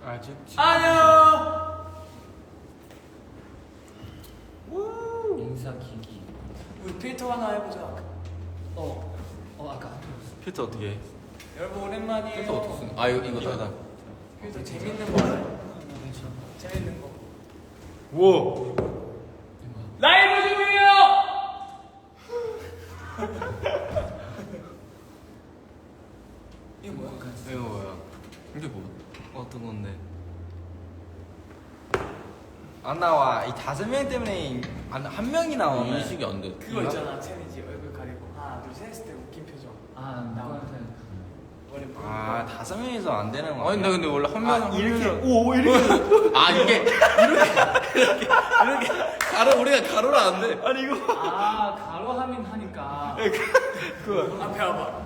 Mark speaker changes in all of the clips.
Speaker 1: 가죽.
Speaker 2: 안녕.
Speaker 3: 인사기기.
Speaker 2: 우리 필터 하나 해보자.
Speaker 3: 아까
Speaker 1: 필터 어떻게 해?
Speaker 2: 여러분 오랜만이에요.
Speaker 1: 필터 어떻게 쓰는? 아 이거다.
Speaker 2: 필터 재밌는 거 알아요? 재밌는 거.
Speaker 1: 우와.
Speaker 2: 라이브 중이에요. 이거 뭐야?
Speaker 1: 이거 뭐야? 이게 뭐야? 어떤 건데?
Speaker 4: 안 나와. 이 5명 때문에 한 명이 나오네.
Speaker 1: 인식이 안 돼.
Speaker 2: 그거 있잖아. 챌린지 얼굴 가리고 하나 둘 셋 했을 때 웃긴 표정.
Speaker 3: 누구한테?
Speaker 2: 머리 푸는
Speaker 4: 아, 5명이서 안 되는 거야.
Speaker 1: 아니 나 근데 원래 한 명.
Speaker 4: 이렇게. 오, 이렇게.
Speaker 1: 아 이게 이렇게 가로 우리가 가로를 안 돼.
Speaker 4: 아니, 이거.
Speaker 3: 가로 하면 하니까.
Speaker 2: 거. 앞에 와봐.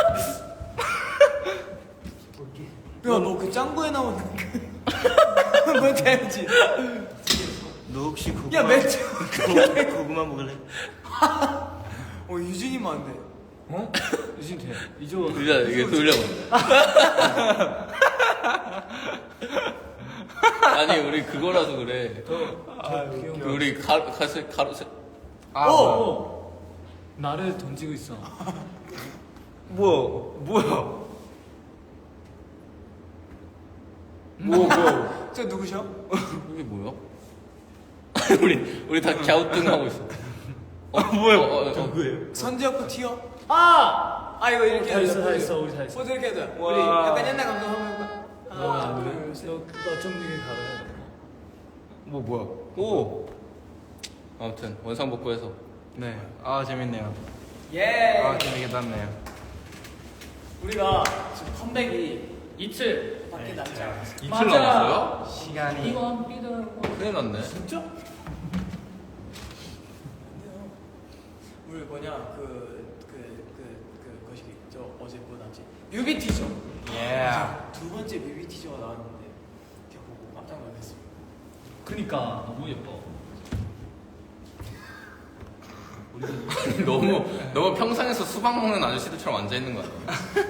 Speaker 2: 야너 그 짱구에 나오는 그 뭔지 알지?
Speaker 4: 너 혹시 고구마.
Speaker 2: 야 매트.
Speaker 4: 고구마 먹을래?
Speaker 2: 유진이면 안 돼.
Speaker 3: 어? 유진 돼. 이조.
Speaker 1: 돌려 이게 돌려봐. 아니 우리 그거라서 그래. 우리 가로.
Speaker 3: 나를 던지고 있어.
Speaker 4: 뭐야?
Speaker 2: 저 누구셔?
Speaker 1: 이게 뭐야? 우리 다 갸우뚱하고 있어.
Speaker 4: 뭐야? 누구예요?
Speaker 2: 선지혁 티어? 이거 이렇게
Speaker 3: 다 있어,
Speaker 2: 해야
Speaker 3: 다
Speaker 2: 돼.
Speaker 3: 있어, 우리 다 있어.
Speaker 2: 포즈 이렇게 해야 돼.
Speaker 4: 와.
Speaker 2: 우리 약간 옛날 감성 한번 해볼까? 하나
Speaker 3: 너
Speaker 2: 둘셋.
Speaker 3: 어쩜 가로 해야 돼?
Speaker 4: 뭐야? 오.
Speaker 1: 아무튼 원상복구해서.
Speaker 4: 네. 재밌네요.
Speaker 2: 예.
Speaker 4: 재밌게 났네요.
Speaker 2: 우리가 지금 컴백이
Speaker 3: 이틀.
Speaker 2: 밖에 남지 않았어.
Speaker 1: 이틀
Speaker 3: 맞아.
Speaker 1: 남았어요?
Speaker 4: 시간이.
Speaker 3: 이건 삐들.
Speaker 1: 큰일 났네.
Speaker 2: 진짜? 우리 뭐냐 거시기 저 어제 뭐 나왔지? 뮤비 티저.
Speaker 4: 예.
Speaker 2: 두 번째 뮤비 티저가 나왔는데 제가 보고 깜짝 놀랐어요.
Speaker 3: 그니까 너무 예뻐.
Speaker 1: 너무 평상에서 수박 먹는 아저씨들처럼 앉아 있는 거 아니야?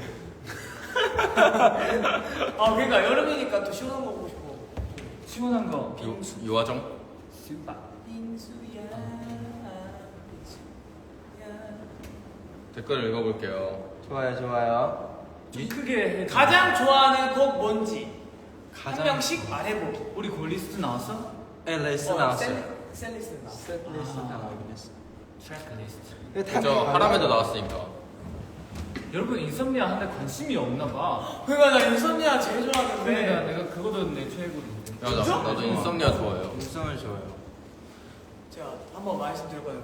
Speaker 2: 그러니까 여름이니까 또 시원한 거 보고 싶어.
Speaker 3: 시원한 거.
Speaker 1: 요화정?
Speaker 3: 수박.
Speaker 2: 빙수야.
Speaker 1: 댓글 읽어볼게요.
Speaker 4: 좋아요.
Speaker 3: 좀 크게 해.
Speaker 2: 가장 좋아하는 곡 뭔지 한
Speaker 4: 가장-
Speaker 2: 명씩 말해보기.
Speaker 3: 우리 골리스트 나왔어?
Speaker 4: 레스 나왔어요.
Speaker 2: 셀리스 나왔어.
Speaker 4: 셀리스 나오긴 했어.
Speaker 3: 트랙리스트.
Speaker 1: 저 하람에도 나왔으니까.
Speaker 3: 여러분 인썸니아 하는데 관심이 없나 봐.
Speaker 2: 그러니까 나 인썸니아 제일
Speaker 3: 그러니까
Speaker 2: 좋아하는데.
Speaker 3: 내가 그거도 내 최애거든.
Speaker 1: 나도 인썸니아 좋아해요.
Speaker 4: 인성을 좋아요.
Speaker 2: 제가 한번 말씀드렸거든요.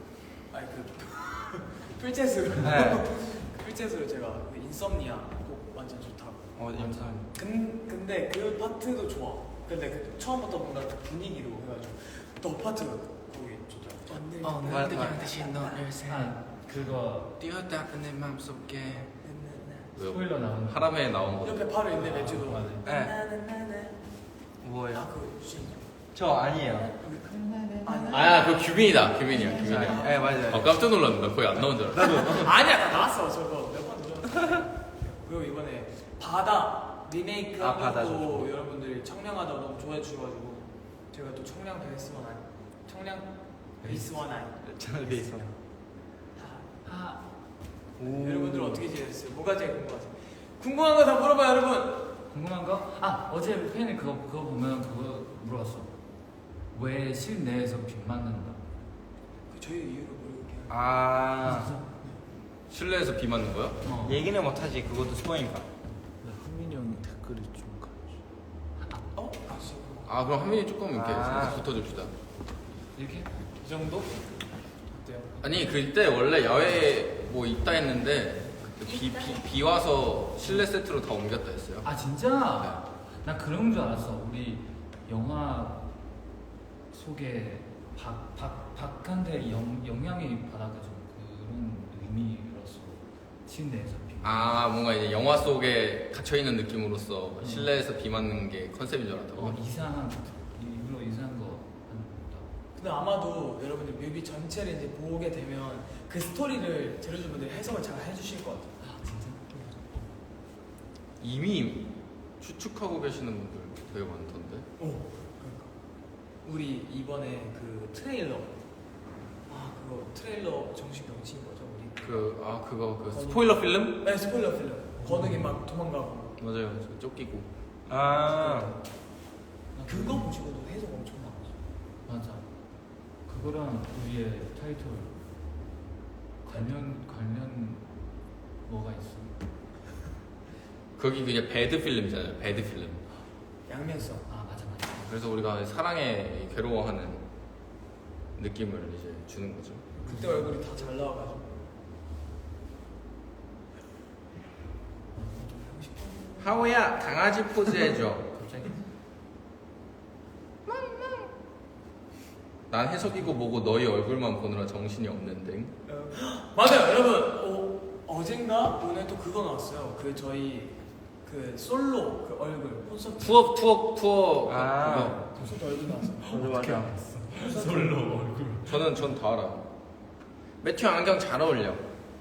Speaker 2: 풀챗으로.
Speaker 4: 네.
Speaker 2: 풀챗으로 제가 그 인썸니아 곡 완전 좋다고.
Speaker 4: 인성.
Speaker 2: 근데 그 파트도 좋아. 근데 그 처음부터 뭔가 그 분위기로 해가지고 너 파트 거기 좋더라고.
Speaker 4: 날 그냥 다시 너를
Speaker 3: 그거
Speaker 4: 뛰었다 내 맘속에.
Speaker 1: 왜요?
Speaker 3: 스포일러 나오는 거.
Speaker 1: 하람에 나온 거.
Speaker 2: 옆에 바로 있네 매주도.
Speaker 3: 맞아.
Speaker 4: 네. 뭐예요?
Speaker 2: 그 유진.
Speaker 4: 저 아니에요.
Speaker 1: 그거 규빈이다. 규빈이야.
Speaker 4: 네, 맞아요.
Speaker 1: 깜짝 놀랐는데 거의 안 나온 줄 알았어.
Speaker 2: 아니야 나 나왔어 저거 몇 번 들었어. 그리고 이번에 바다 리메이크 한
Speaker 4: 바다
Speaker 2: 것도
Speaker 4: 좋죠.
Speaker 2: 여러분들이 청량하다고 너무 좋아해 주셔가지고 제가 또 청량 베이스 원아이 청량 베이스 원아이
Speaker 4: 저는 베이스.
Speaker 2: 여러분들 어떻게 지내셨어요? 뭐가 제일 궁금하세요? 궁금한 거 다 물어봐요 여러분.
Speaker 3: 궁금한 거? 어제 팬이 그거 보면 그거 물어봤어. 왜 실내에서 비 맞는다?
Speaker 2: 그 저희 이유를 모르게
Speaker 1: 실내에서 비 맞는 거야?
Speaker 4: 얘기는 못하지. 그것도 스포니까.
Speaker 3: 흥민이 형이 댓글이 좀
Speaker 1: 아 그럼 한민이 조금 이렇게
Speaker 4: 아.
Speaker 1: 붙어줍시다.
Speaker 3: 이렇게?
Speaker 2: 이 정도? 어때요?
Speaker 1: 아니 그때 원래 야외 뭐 있다 했는데 비 와서 실내 세트로 다 옮겼다 했어요.
Speaker 3: 진짜? 나 그런 줄 알았어. 우리 영화 속에 박한테 영향이 받아가지고 그런 의미로서 실내에서 비.
Speaker 1: 뭔가 이제 영화 속에 갇혀 있는 느낌으로서 실내에서 비 맞는 게 컨셉인 줄 알았다고.
Speaker 3: 일부러 이상한 거 한다.
Speaker 2: 근데 아마도 여러분들 뮤비 전체를 이제 보게 되면 그 스토리를 제로즈분들이 해석을 잘 해주실 것 같아요.
Speaker 3: 진짜?
Speaker 1: 이미 추측하고 계시는 분들 되게 많던데.
Speaker 2: 오, 그러니까 우리 이번에 그 트레일러 그거 트레일러 정식 명칭 뭐죠 우리?
Speaker 1: 그거 스포일러 필름?
Speaker 2: 네 스포일러 필름. 건욱이 막 도망가고
Speaker 1: 맞아요. 저 쫓기고.
Speaker 4: 아
Speaker 2: 그거 보시고도 해석 엄청 나왔어.
Speaker 3: 맞아. 그거랑 우리의 타이틀 관련 뭐가 있어?
Speaker 1: 거기 그냥 배드 필름이잖아요. 배드 필름.
Speaker 2: 양면성.
Speaker 3: 아 맞아.
Speaker 1: 그래서 우리가 사랑에 괴로워하는 느낌을 이제 주는 거죠.
Speaker 2: 그때 얼굴이 다 잘 나와가지고.
Speaker 1: 하우야 강아지 포즈 해줘.
Speaker 3: 갑자기?
Speaker 1: 난 해석이고 뭐고 너희 얼굴만 보느라 정신이 없는데.
Speaker 2: 맞아요 여러분. 어젠가 오늘 또 그거 나왔어요. 그 저희 그 솔로 그 얼굴 콘서트.
Speaker 1: 투어.
Speaker 4: 아.
Speaker 2: 콘서트 얼굴 나왔어요.
Speaker 4: 맞아.
Speaker 3: 솔로 얼굴.
Speaker 1: 전 다 알아. 매튜 안경 잘 어울려.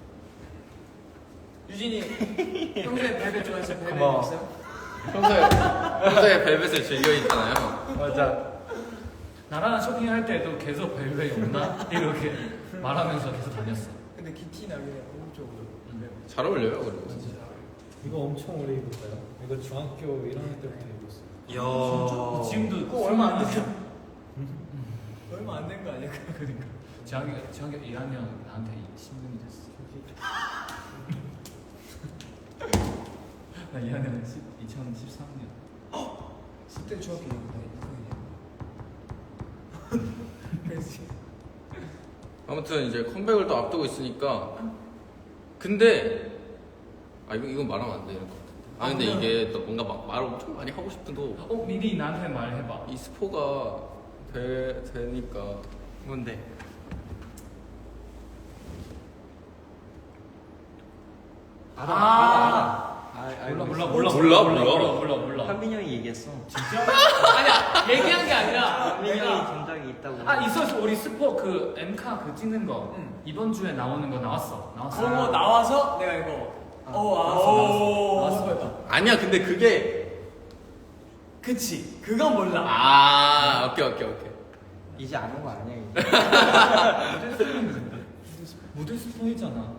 Speaker 2: 유진이 평소에 벨벳 좋아했어요? 벨벳
Speaker 4: 고마워.
Speaker 2: 있어요?
Speaker 1: 평소에 벨벳을 즐겨 있잖아요.
Speaker 4: 맞아.
Speaker 3: 나랑 쇼핑할 때도 계속 벨벳이 없나? 이렇게 말하면서 계속 다녔어.
Speaker 2: 근데 기티 나게 오른쪽으로.
Speaker 1: 잘 어울려요, 그리고.
Speaker 5: 이거 엄청 오래 입었어요. 이거 중학교 1학년 때부터 입었어요.
Speaker 4: 이야.
Speaker 3: 지금도
Speaker 2: 그거 얼마 안 됐죠? 얼마 안 된 거 아니야?
Speaker 3: 그러니까 중학교 1학년 나한테 신분이 됐어. 나 2학년은 2013년.
Speaker 2: 10대 중학교 그렇지.
Speaker 1: 아무튼 이제 컴백을 또 앞두고 있으니까. 근데 이건 말하면 안 되는 것 같아. 근데 이게 또 뭔가 막 말 엄청 많이 하고 싶은도
Speaker 3: 미리 나한테 말해봐.
Speaker 1: 이 스포가 되니까.
Speaker 4: 뭔데?
Speaker 1: 몰라.
Speaker 4: 한민 형이 얘기했어.
Speaker 2: 아니야 얘기한 게 아니라
Speaker 4: 한민 형이
Speaker 2: 내가
Speaker 4: 전작이 있다고.
Speaker 3: 있었어. 우리 스포 그 엠카 그 찍는 거
Speaker 2: 응.
Speaker 3: 이번 주에 나오는 거 나왔어.
Speaker 2: 그런 거 나와서 내가 이거
Speaker 3: 나왔어.
Speaker 1: 아니야, 근데 그게.
Speaker 2: 그치 그건 몰라.
Speaker 1: 오케이.
Speaker 4: 이제 아는 거 아니야 이제.
Speaker 3: 무대 스포했잖아.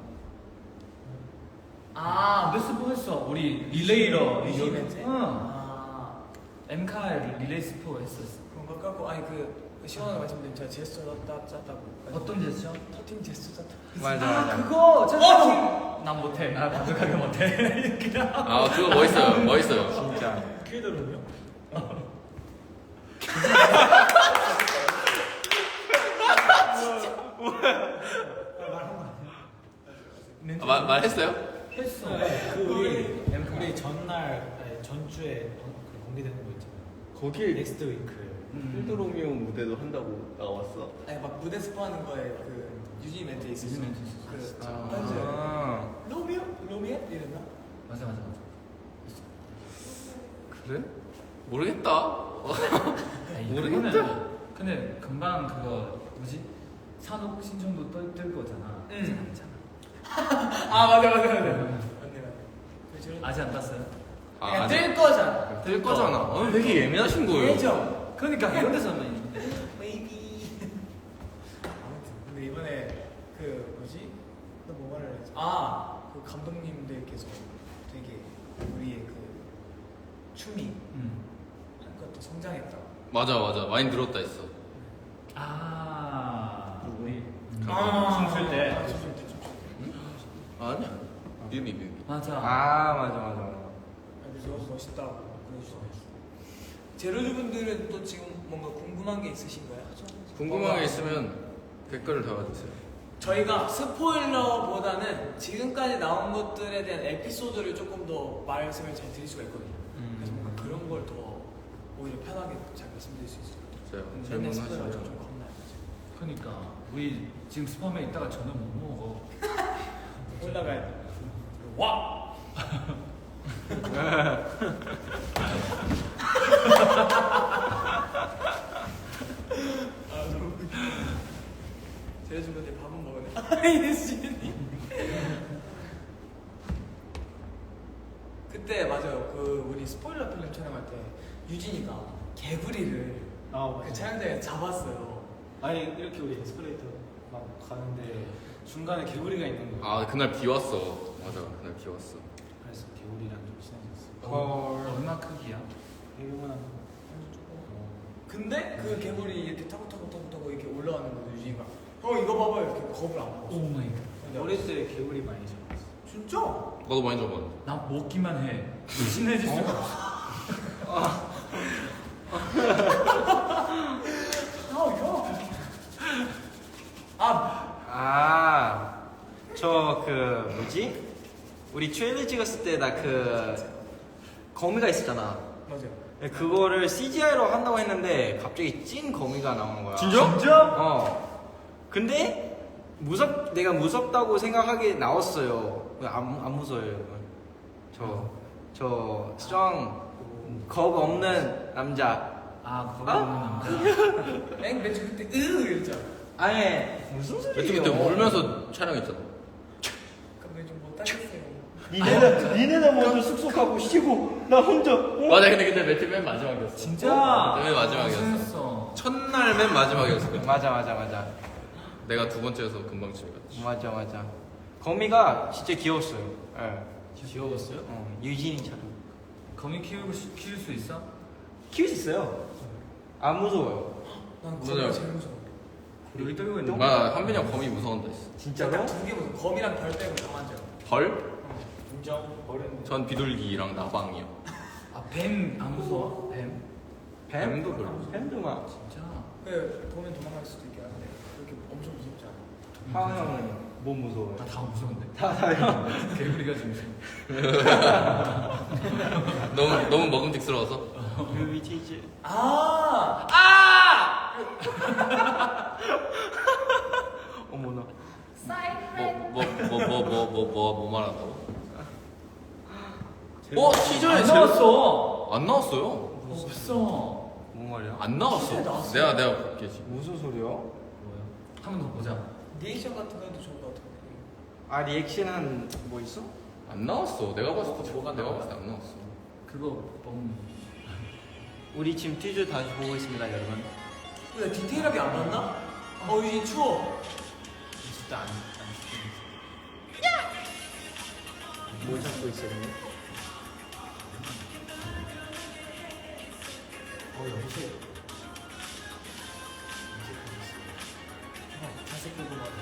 Speaker 3: 무대 스포했어. 우리 릴레이러
Speaker 2: 이벤트?
Speaker 3: 응. 엠카 릴레이 스포 했었어.
Speaker 2: 그런 거 갖고 그 시원하게 말씀드리면 제가 제스처 짰다고.
Speaker 3: 어떤 제스처?
Speaker 2: 터팅 제스처 짰다.
Speaker 4: 맞아.
Speaker 2: 그거
Speaker 3: 난 못해. 나 완벽하게 못해. 그냥.
Speaker 1: 그거 멋있어요.
Speaker 4: 진짜.
Speaker 5: 퀴드룸이요?
Speaker 1: 말했어요?
Speaker 3: 했어.
Speaker 5: 우리 전날 전주에 공개되는 거 있잖아요.
Speaker 1: 거기
Speaker 5: 넥스트 윙크.
Speaker 1: 필드로미오 무대도 한다고 나왔어.
Speaker 2: 아니 막 무대 스포하는 거에 그 유진 멘트 있었어.
Speaker 3: 유진 멘트 있었어.
Speaker 2: 그
Speaker 4: 아.
Speaker 2: 로미오 이랬나?
Speaker 3: 맞아.
Speaker 1: 그래? 모르겠다. 모르겠다.
Speaker 3: 근데 금방 그거 뭐지? 산업 신청도 뜰 거잖아. 아직 안 했잖아.
Speaker 2: 맞아.
Speaker 3: 음.
Speaker 2: 맞네.
Speaker 3: 아직 안 땄어요?
Speaker 2: 그냥 뜰 거잖아.
Speaker 1: 뜰 거잖아. 되게 예민하신 거예요.
Speaker 2: 예정.
Speaker 3: 그러니까 이런 데서만 있는데.
Speaker 2: 베이비. 아무튼 근데 이번에 그 뭐지? 또 뭐 말을 했지? 그 감독님들께서 되게 우리의 그 춤이 한 것도 성장했다.
Speaker 1: 맞아. 많이 늘었다 했어.
Speaker 3: 우리
Speaker 2: 춤출 때.
Speaker 1: 아니야. 뮤비.
Speaker 3: 맞아.
Speaker 4: 맞아.
Speaker 2: 그래서 멋있다고 그러시더라고요. 제로즈 분들은 또 지금 뭔가 궁금한 게 있으신가요?
Speaker 1: 궁금한 게 있으면 댓글을 달아주세요.
Speaker 2: 저희가 스포일러보다는 지금까지 나온 것들에 대한 에피소드를 조금 더 말씀을 잘 드릴 수가 있거든요. 그래서 뭔가 그런 걸 더 오히려 편하게 잘 말씀드릴 수 있을 것 같아요.
Speaker 1: 맞아요.
Speaker 2: 맨날 스포일러가 좀
Speaker 1: 질문하시면.
Speaker 2: 겁나요.
Speaker 3: 그러니까 우리 지금 스팸에 있다가 저녁 못 먹어.
Speaker 2: 올라가야 돼. 와! 제로즈 분들 밥은 먹었네. 예수님. 그때 맞아요. 그 우리 스포일러 필름 촬영할 때 유진이가 개구리를
Speaker 5: 아
Speaker 2: 그 촬영장에 잡았어요.
Speaker 5: 아니 이렇게 우리 에스컬레이터 막 가는데 중간에 개구리가 있는 거예요.
Speaker 1: 아 그날 비 왔어. 맞아 그날 비 왔어.
Speaker 5: 그래서 개구리랑 좀 친해졌어.
Speaker 3: 얼마 크기야?
Speaker 5: 개구리만
Speaker 2: 근데 그 개구리 이렇게 타고 이렇게 올라가는 거 유진이가 형 이거 봐봐요 이렇게 겁을 안 먹었어.
Speaker 3: 오 마이 갓.
Speaker 5: 어릴 때 개구리 많이 잡았어.
Speaker 2: 진짜?
Speaker 1: 나도 많이 잡았는데.
Speaker 3: 나 먹기만 해. 친해질 수가 없어.
Speaker 4: 저 그 뭐지? 우리 트레일러 찍었을 때 나 그 거미가 있었잖아.
Speaker 2: 맞아요.
Speaker 4: 그거를 CGI로 한다고 했는데 갑자기 찐 거미가 나오는 거야.
Speaker 3: 진짜?
Speaker 4: 근데 내가 무섭다고 생각하게 나왔어요. 안 무서워요, 여러분. 저 strong 겁 없는 남자.
Speaker 3: 아 거기 없는 남자.
Speaker 2: 맨 처음 그때 이랬잖아.
Speaker 4: 아니 무슨
Speaker 1: 매트
Speaker 4: 소리예요?
Speaker 1: 그때 울면서 촬영했잖아.
Speaker 2: 근데 좀 못하겠어요.
Speaker 4: 니네는 먼저 숙소가고 쉬고 나 혼자.
Speaker 1: 맞아 근데 매트 맨 마지막이었어.
Speaker 3: 진짜?
Speaker 1: 맨 마지막이었어.
Speaker 3: 고생했어.
Speaker 1: 첫날 맨 마지막이었어.
Speaker 4: 맞아.
Speaker 1: 내가 두 번째여서 금방 집에 갔지.
Speaker 4: 맞아. 거미가 진짜 귀여웠어요.
Speaker 3: 귀여웠어요?
Speaker 4: 유진이처럼.
Speaker 3: 거미 키울 수 있어?
Speaker 4: 키울 수 있어요. 안 무서워요.
Speaker 2: 난
Speaker 1: 맞아요.
Speaker 2: 거미가 제일 무서워.
Speaker 3: 여기 떨고 있는 거.
Speaker 1: 나 한빈이 형 거미 무서워한다 했어.
Speaker 4: 진짜로?
Speaker 2: 두개 무서워. 거미랑 별 빼고 다 만져요.
Speaker 1: 벌?
Speaker 5: 인정. 버렸는데.
Speaker 1: 전 비둘기랑 나방이요.
Speaker 3: 아뱀 안 무서워? 뱀?
Speaker 1: 뱀도 별로 무서워.
Speaker 4: 뱀도 막.
Speaker 3: 진짜?
Speaker 2: 그 보면 도망갈 수도 있긴 한데 그렇게 엄청 무섭지 않아.
Speaker 4: 하은 형은 뭐 무서워요?
Speaker 3: 나 다 무서운데.
Speaker 4: 다요.
Speaker 3: 개구리가 좀 무서워.
Speaker 1: 너무 먹음직스러워서.
Speaker 4: 뮤비티즈. 어머나.
Speaker 1: 뭐 말한다고? 시즌에
Speaker 3: 안
Speaker 1: 제일-
Speaker 3: 나왔어.
Speaker 1: 안 나왔어요.
Speaker 3: 없어.
Speaker 4: 뭔 말이야?
Speaker 1: 안 나왔어.
Speaker 2: 시즌에 나왔어요.
Speaker 1: 내가 볼게 지금.
Speaker 4: 무슨 소리야?
Speaker 3: 뭐야? 한 번 더 보자.
Speaker 2: 리액션 같은 거 해도 좋을 것 같은데.
Speaker 4: 아 리액션은 뭐 있어?
Speaker 1: 안 나왔어. 내가 봤을 때
Speaker 2: 뭐가
Speaker 1: 내가
Speaker 2: 나와?
Speaker 1: 봤을 때 안 나왔어.
Speaker 3: 그거 너무
Speaker 4: 우리 지금 퀴즈 다시 보고 있습니다, 여러분.
Speaker 2: 왜 디테일하게 안 봤나? 유진 추워.
Speaker 5: 진짜 안
Speaker 4: 뭘 찾고 있었니?
Speaker 5: 여보세요.
Speaker 2: 자색 보고 막.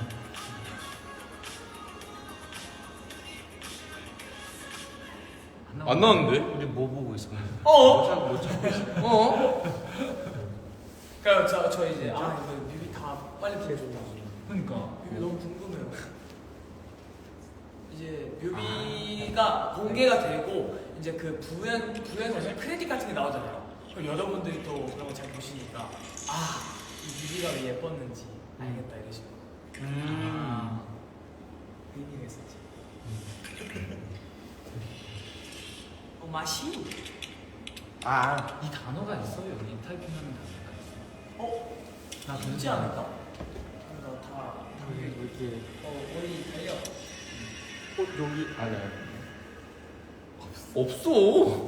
Speaker 1: 안 나왔는데?
Speaker 4: 우리 뭐 보고 있어?
Speaker 2: 어?
Speaker 1: 어?
Speaker 2: 그러니까 저 이제 이거 뮤비 다 빨리 보여줘.
Speaker 3: 그러니까
Speaker 2: 뮤비 너무 궁금해요. 이제 뮤비가 공개가 되고 이제 그 부연에서 크레딧 같은 게 나오잖아요. 그럼 여러분들이 또 그런 거 잘 보시니까 이 뮤비가 왜 예뻤는지 알겠다 이러시고 의미가 있었지. 맛이?
Speaker 3: 이 단어가 있어 여기 타이핑하는 단어가 있어.
Speaker 2: 나 되지 않을까? 다
Speaker 4: 이렇게
Speaker 2: 우리 달려.
Speaker 4: 여기 아니야.
Speaker 1: 없어.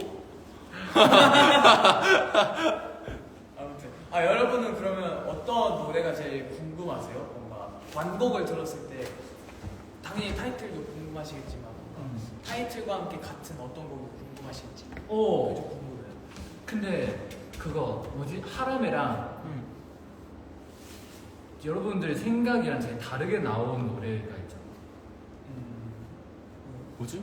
Speaker 2: 아무튼 여러분은 그러면 어떤 노래가 제일 궁금하세요? 뭔가 완곡을 들었을 때 당연히 타이틀도 궁금하시겠지만 타이틀과 함께 같은 어떤 곡이 궁금하실지 그게
Speaker 3: 오.
Speaker 2: 좀 궁금해요.
Speaker 3: 근데 그거 뭐지 하람이랑 여러분들 생각이랑 되게 다르게 나온 노래가 있잖아.
Speaker 1: 뭐지?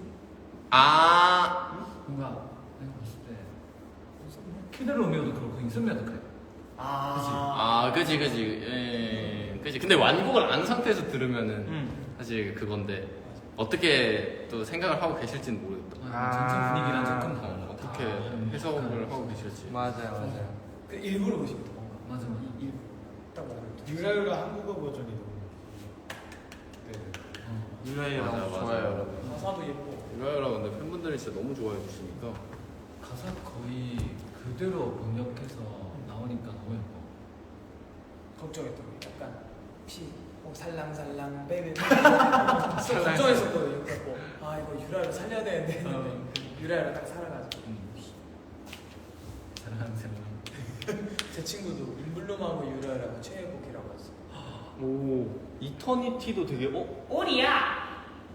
Speaker 3: 뭔가 내가 봤을 때 키드 로미오도 그렇고 인썸니아도 그래.
Speaker 1: 그지. 그지. 근데 완곡을 안 상태에서 들으면은 사실 그건데 어떻게 또 생각을 하고 계실지는 모르겠다.
Speaker 3: 전체 분위기랑 조금
Speaker 1: 어떻게
Speaker 3: 다른
Speaker 1: 해석을
Speaker 3: 약간
Speaker 1: 하고 계실지.
Speaker 4: 맞아요.
Speaker 2: 그 일부러 보시면 돼, 뭔가
Speaker 3: 맞아.
Speaker 2: 딱 맞아요.
Speaker 5: 유라유라 한국어 버전이 너무.
Speaker 4: 유라이랑
Speaker 1: 맞아.
Speaker 4: 좋아요, 여러분.
Speaker 2: 가사도 예뻐.
Speaker 1: 유라유라 근데 팬분들이 진짜 너무 좋아해 주시니까
Speaker 3: 가사 거의 그대로 번역해서 나오니까 너무 예뻐.
Speaker 2: 걱정했던 게 약간 혹시 살랑살랑 베이베 걱정했었거든요. 그래서 이거 유라를 살려야 되는데 했는데 유라유라 딱 살아가지고.
Speaker 3: 사랑하는 사람.
Speaker 2: 제 친구도 인블룸하고 유라유라가 최애곡이라고 했어.
Speaker 4: 오 이터니티도 되게
Speaker 2: 오리야.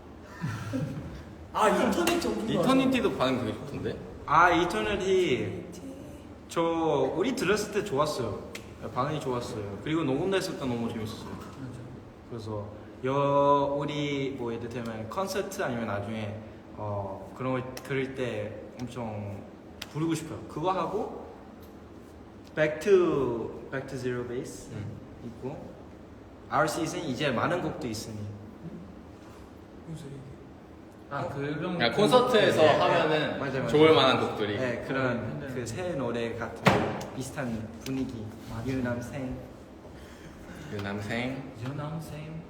Speaker 2: 아 인터넷 전문.
Speaker 1: 이터니티도 반응 되게 좋던데?
Speaker 4: 아 이터니티 저 우리 들었을 때 좋았어요. 반응이 좋았어요. 그리고 녹음됐을 때 너무 재밌었어요. 그래서 우리 뭐 예를 들면 콘서트 아니면 나중에 그런 걸 들을 때 엄청 부르고 싶어요. 그거 하고 Back to Zero Base 있고 Our Season 이제 많은 곡도 있으니
Speaker 2: 무슨 소리?
Speaker 3: 아 그런.
Speaker 1: 그냥 콘서트에서
Speaker 4: 네,
Speaker 1: 하면은
Speaker 4: 맞아요.
Speaker 1: 좋을 만한 곡들이.
Speaker 4: 네 그런
Speaker 3: 네.
Speaker 4: 그 새 노래 같은 비슷한 분위기
Speaker 3: 맞아.
Speaker 4: 유남생
Speaker 1: 그 남생
Speaker 3: 유남생.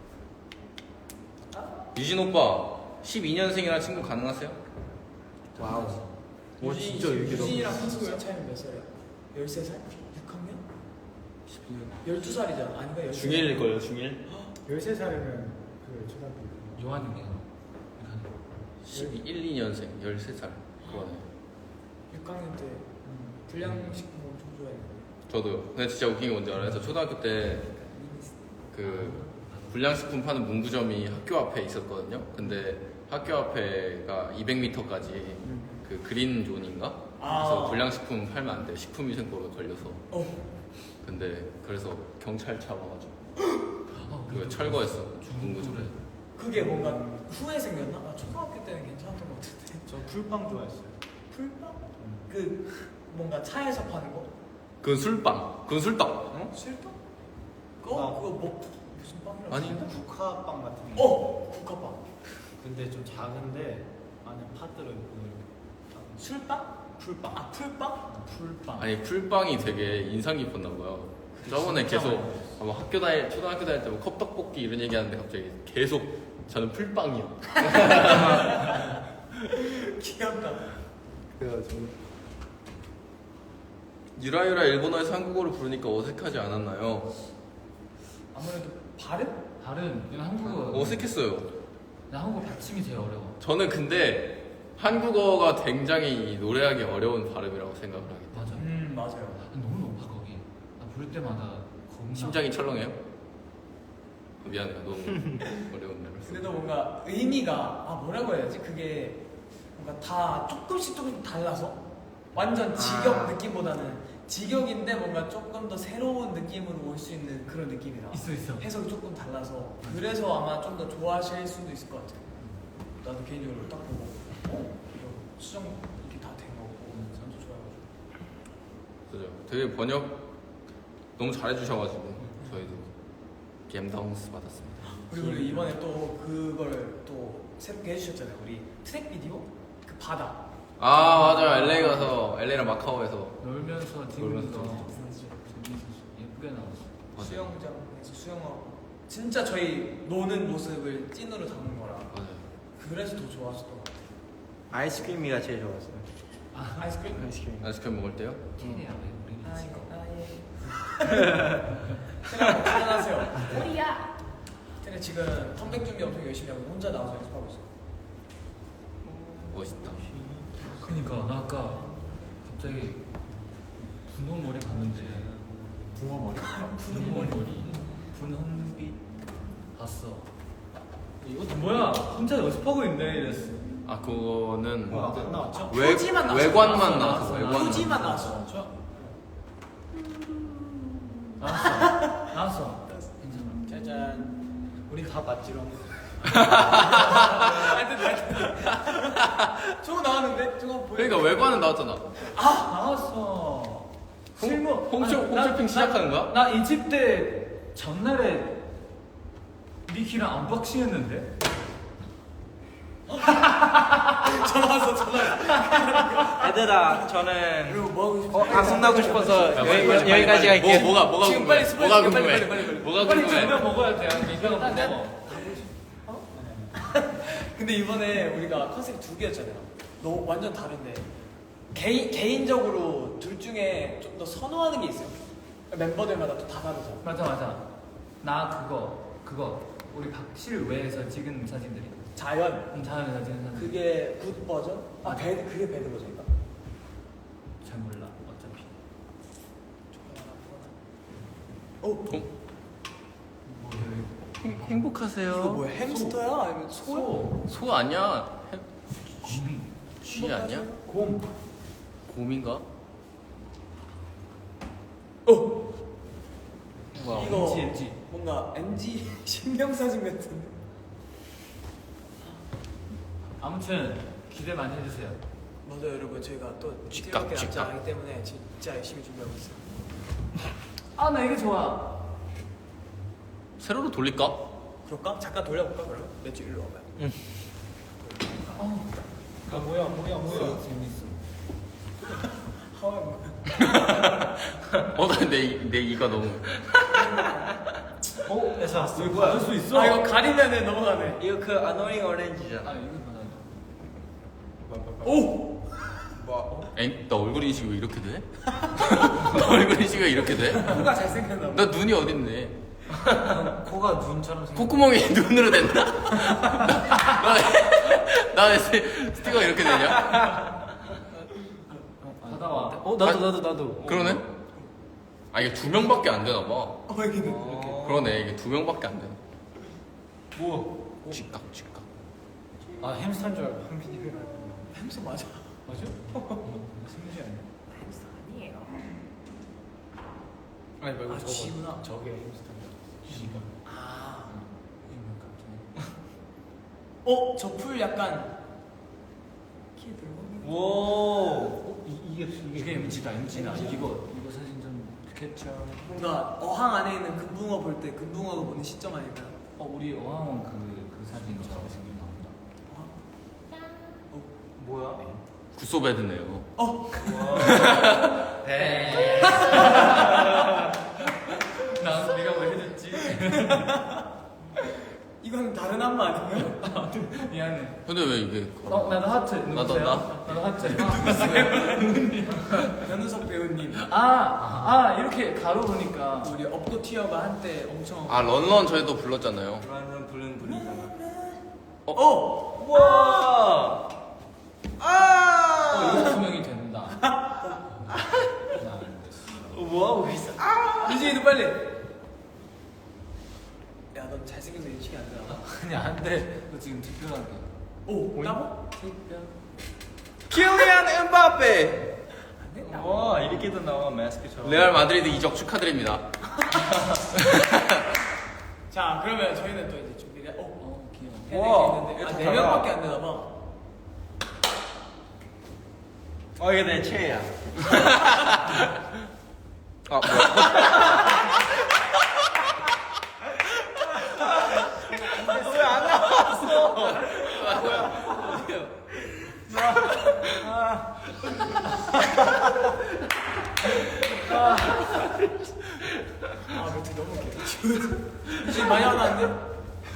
Speaker 1: 유진 오빠 12년생이랑 친구 가능하세요?
Speaker 4: 와우 와 진짜 여기로
Speaker 2: 유진이랑 한승우 차이는 몇 살이야? 13살? 6학년? 12살이잖아. 아닌가? 13살?
Speaker 1: 중1일걸요 중1?
Speaker 5: 13살이면 그 초등학교.
Speaker 3: 요한이네요.
Speaker 1: 12, 1, 2년생 13살 그거네.
Speaker 2: 6학년 때 불량식품 엄청 좋아했는데.
Speaker 1: 저도요. 근데 진짜 웃긴 게 뭔지 알아요? 저 초등학교 때 그 불량식품 파는 문구점이 학교 앞에 있었거든요. 근데 학교 앞에가 200m까지 그 그린 존인가? 그래서 불량식품 팔면 안 돼. 식품위생법에 걸려서. 근데 그래서 경찰차 와가지고 그 철거했어. 문구점에.
Speaker 2: 그게 뭔가 후에 생겼나? 아, 초등학교 때는 괜찮았던 것 같은데.
Speaker 5: 저 풀빵 좋아했어요.
Speaker 2: 풀빵? 그 뭔가 차에서 파는 거?
Speaker 1: 그건 술빵. 그건 술떡.
Speaker 2: 어? 술빵? 그거 뭐 무슨 빵이라고?
Speaker 1: 아니.
Speaker 2: 했나?
Speaker 5: 국화빵 같은 거.
Speaker 2: 국화빵.
Speaker 5: 근데 좀 작은데 안에 파 들어있고.
Speaker 2: 술빵? 풀빵? 아 풀빵?
Speaker 3: 풀빵.
Speaker 1: 아니 풀빵이 되게 인상 깊었나 봐요. 저번에
Speaker 3: 진짜
Speaker 1: 계속
Speaker 3: 많이
Speaker 1: 아마 초등학교 다닐 때 뭐 컵떡볶이 이런 얘기하는데 갑자기 계속 저는 풀빵이요.
Speaker 2: 귀엽다.
Speaker 1: 그래가지고 유라유라 일본어에서 한국어를 부르니까 어색하지 않았나요?
Speaker 2: 아무래도 발음?
Speaker 3: 다른 이건 한국어.
Speaker 1: 어색했어요.
Speaker 3: 나 한국어 받침이 되게 어려워.
Speaker 1: 저는 근데 한국어가 굉장히 노래하기 어려운 발음이라고 생각을 하기 때문에
Speaker 3: 맞아.
Speaker 2: 맞아요.
Speaker 3: 너무 높아 거기. 나 부를 때마다 겁나.
Speaker 1: 심장이 철렁해요? 미안해요. 너무 어려운 말을
Speaker 2: 그래도 뭔가 의미가 뭐라고 해야지? 그게 뭔가 다 조금씩 달라서 완전 직역 느낌보다는 직역인데 뭔가 조금 더 새로운 느낌으로 올 수 있는 그런 느낌이라
Speaker 3: 있어.
Speaker 2: 해석이 조금 달라서 그래서 아마 좀 더 좋아하실 수도 있을 것 같아요. 나도 개인적으로 딱 보고 이거 수정 이렇게 다 된 거고 저도 좋아해가지고
Speaker 1: 그죠. 되게 번역 너무 잘해주셔가지고 저희도 갬다운스 받았습니다.
Speaker 2: 그리고 우리 이번에 또 그걸 또 새롭게 해주셨잖아요. 우리 트랙 비디오 그 바다
Speaker 1: 아 맞아요. LA 가서 LA랑 마카오에서
Speaker 3: 놀면서
Speaker 1: 놀면서
Speaker 3: 찍으면서 재밌었어. 예쁘게 나왔어.
Speaker 1: 맞아요.
Speaker 2: 수영장에서 수영하고 진짜 저희 노는 모습을 찐으로 담은 거라
Speaker 1: 맞아요.
Speaker 2: 그래서 더 좋았었던 것 같아요.
Speaker 4: 아이스크림이가 제일 좋았어요.
Speaker 2: 아이스크림?
Speaker 4: 아이스크림.
Speaker 1: 아이스크림 먹을 때요?
Speaker 3: 티리야 왜 우리는 지금.
Speaker 2: 테레 출연하세요. 우리야. 테레 지금 컴백 준비 엄청 열심히 하고 혼자 나와서 연습하고 있어요.
Speaker 1: 멋있다.
Speaker 3: 그니까 나 아까 갑자기 분홍 머리 봤는데.
Speaker 5: 붕어 머리.
Speaker 3: 분홍 머리. 분홍빛 봤어. 이것도 뭐야? 혼자 연습하고 있네 이랬어.
Speaker 1: 아 그거는
Speaker 5: 안 나왔죠?
Speaker 2: 표지만 나왔어.
Speaker 1: 외관만
Speaker 3: 나왔어,
Speaker 1: 나왔어.
Speaker 3: 나왔어.
Speaker 1: 외관만.
Speaker 2: 표지만 나왔어.
Speaker 3: 나왔어. 괜찮아.
Speaker 2: 짜잔.
Speaker 5: 우리 다 봤지롱.
Speaker 2: 저거 나왔는데? 저거 보여?
Speaker 1: 그러니까 외관은 나왔잖아.
Speaker 3: 나왔어. 실무.
Speaker 1: 홈쇼핑 시작하는 거야?
Speaker 3: 나 이집 때 전날에 미키랑 언박싱 했는데.
Speaker 2: 전화 왔어.
Speaker 4: 얘들아 저는
Speaker 2: 그리고 뭐 하고 싶어?
Speaker 4: 방송 나고 싶어서 여기까지
Speaker 1: 뭐,
Speaker 4: 할게.
Speaker 1: 뭐가
Speaker 2: 지금
Speaker 1: 궁금해?
Speaker 2: 빨리 스포일
Speaker 1: 뭐가
Speaker 2: 시켜,
Speaker 1: 궁금해?
Speaker 2: 빨리.
Speaker 1: 뭐가
Speaker 3: 빨리
Speaker 1: 궁금해?
Speaker 3: 정면 먹어야 돼. 이거 먹어.
Speaker 2: 근데 이번에 우리가 컨셉이 두 개였잖아요. 너무 완전 다른데 개인적으로 둘 중에 좀 더 선호하는 게 있어요. 멤버들마다 또 다 다르죠.
Speaker 3: 맞아. 나 그거 우리 박실 외에서 찍은 사진들이.
Speaker 2: 자연.
Speaker 3: 자연에서 찍은 사진.
Speaker 2: 그게 굿 버전? 아 배드 그게 배드 버전인가?
Speaker 3: 잘 몰라. 어차피.
Speaker 2: 어?
Speaker 1: 행복하세요.
Speaker 2: 이거 뭐야? 햄스터야? 아니면 소야?
Speaker 1: 소 아니야? 쥐 아니야?
Speaker 2: 곰.
Speaker 1: 곰인가?
Speaker 2: 어?
Speaker 1: 와,
Speaker 2: 이거
Speaker 3: MG.
Speaker 2: 뭔가 MG 신명사진 같은데.
Speaker 3: 아무튼 기대 많이 해주세요.
Speaker 2: 맞아요 여러분 저희가 또
Speaker 1: 직각,
Speaker 2: 이렇게 남지
Speaker 1: 직각.
Speaker 2: 않기 때문에 진짜 열심히 준비하고 있어요.
Speaker 3: 아 나 이게 좋아.
Speaker 1: 세로로 돌릴까?
Speaker 2: 그럴까? 잠깐 돌려볼까 그러면? 매주 일로 와봐요.
Speaker 5: 아 뭐야.
Speaker 3: 재밌어.
Speaker 2: 하와이 뭐야?
Speaker 1: 내 이가 너무.
Speaker 4: 에서
Speaker 3: 이거 받을 수 있어?
Speaker 2: 아 이거 가리면은 넘어가네.
Speaker 4: 이거 그 아노잉 오렌지잖아.
Speaker 3: 아 이거 받아.
Speaker 2: 오!
Speaker 1: 나 얼굴 인식이 왜 이렇게 돼? 나 얼굴 인식이 왜 이렇게 돼?
Speaker 2: 코가 잘생겼나 봐.
Speaker 1: 나 눈이 어딨네?
Speaker 3: 코가 눈처럼 생겼.
Speaker 1: 콧구멍이 눈으로 된다? 나 왜 스티커가 이렇게 되냐?
Speaker 3: 받아와.
Speaker 4: 나도.
Speaker 1: 그러네? 아 이게 2명밖에 안 되나 봐.
Speaker 2: 이게 이렇게.
Speaker 1: 그러네 이게 2명밖에 안 되나.
Speaker 4: 뭐?
Speaker 1: 쥐깍.
Speaker 3: 아 햄스터인 줄 알고.
Speaker 2: 햄스 맞아.
Speaker 3: 맞아? 승민이 아니야?
Speaker 2: 햄스 아니에요.
Speaker 5: 아니 말고
Speaker 2: 아
Speaker 5: 저거.
Speaker 2: 쥐구나.
Speaker 5: 저게 햄스터.
Speaker 3: 쥐가.
Speaker 2: 아.
Speaker 3: 이거 갑자기.
Speaker 2: 저 풀 약간 키 들고.
Speaker 4: 오.
Speaker 3: 이게 MG다. MG다. 이거 사진 좀 캡처.
Speaker 2: 뭔가 어항 안에 있는 금붕어 볼 때 금붕어가 보는 시점 아닐까?
Speaker 3: 우리 어항원 그 사진처럼 생긴 나온다.
Speaker 4: 뭐야?
Speaker 1: 구소베드네요.
Speaker 3: 난 네가 왜 해줬지?
Speaker 2: 이건 다른 안마 아니에요?
Speaker 3: 미안해.
Speaker 1: 근데 왜 이게
Speaker 3: 나도 하트.
Speaker 1: 나도
Speaker 3: 누구세요?
Speaker 1: 나?
Speaker 3: 나도 하트.
Speaker 2: 변우석 배우님.
Speaker 3: 이렇게 가로 보니까.
Speaker 2: 우리 업고 티어가 한때 엄청.
Speaker 1: 아 런런 저희도 불렀잖아요.
Speaker 4: 그러면 부른잖아.
Speaker 2: 와.
Speaker 3: 이거 투명이 된다. 나안 됐어.
Speaker 4: 뭐 하고 있어?
Speaker 2: 유진이도 빨리. 야, 넌 잘생겨서 인식이 안 나.
Speaker 3: 아니 안 돼. 너 지금 특별하게.
Speaker 2: 오, 따보?
Speaker 3: 특별.
Speaker 4: 킬리안 엠바페.
Speaker 2: 안 된다.
Speaker 4: 와 이렇게도 나와 마스크처럼.
Speaker 1: 레알 마드리드 이적 축하드립니다.
Speaker 2: 자, 그러면 저희는 또 이제 준비를.
Speaker 3: 귀여워.
Speaker 4: 와,
Speaker 2: 해야
Speaker 4: 이거
Speaker 2: 될게
Speaker 4: 다
Speaker 2: 있는데.
Speaker 4: 달라.
Speaker 2: 4명밖에 안 되나 봐.
Speaker 4: 이게 내 최애야.
Speaker 1: 아 뭐야?
Speaker 4: 왜안 나왔어?
Speaker 2: 멘트 너무 웃겨. 유진 많이 하면 안 돼?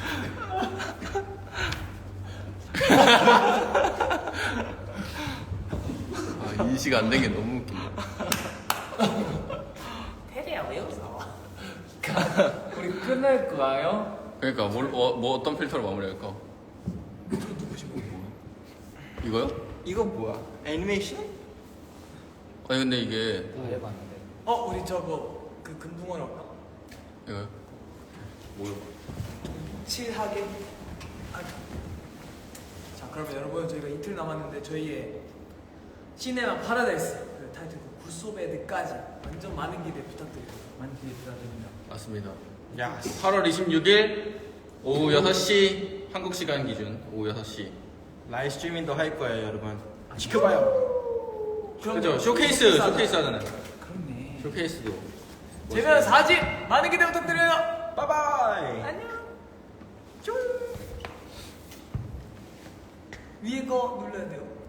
Speaker 1: 아 인식 안 된 게 너무 웃긴다.
Speaker 2: 테리야, 왜 웃어?
Speaker 3: 우리 끝낼 거예요?
Speaker 1: 그러니까 뭐 어떤 필터로 마무리할까? 이거요?
Speaker 4: 이거 뭐야? 애니메이션?
Speaker 1: 아니 근데 이게
Speaker 3: 다 해봤는데.
Speaker 2: 우리 저거 그 금붕어로 할까?
Speaker 1: 이거요? 뭐요?
Speaker 2: 칠하게. 자, 그러면 여러분 저희가 이틀 남았는데 저희의 시네마 파라다이스 그 타이틀곡 굿소베드까지 완전 많은 기대 부탁드립니다.
Speaker 3: 많이 기대 부탁드립니다.
Speaker 1: 맞습니다.
Speaker 4: 야.
Speaker 1: 8월 26일 오후 6시 한국 시간 기준 오후 6시.
Speaker 4: 라이브 스트리밍도 할 거예요, 여러분. 지켜봐요.
Speaker 1: 그죠? 쇼케이스 하잖아요.
Speaker 3: 그렇네.
Speaker 1: 쇼케이스도.
Speaker 2: 재미난 4집 많은 기대 부탁드려요.
Speaker 4: 바이바이.
Speaker 2: 안녕. 쫑. 위에 거 눌러야 돼요.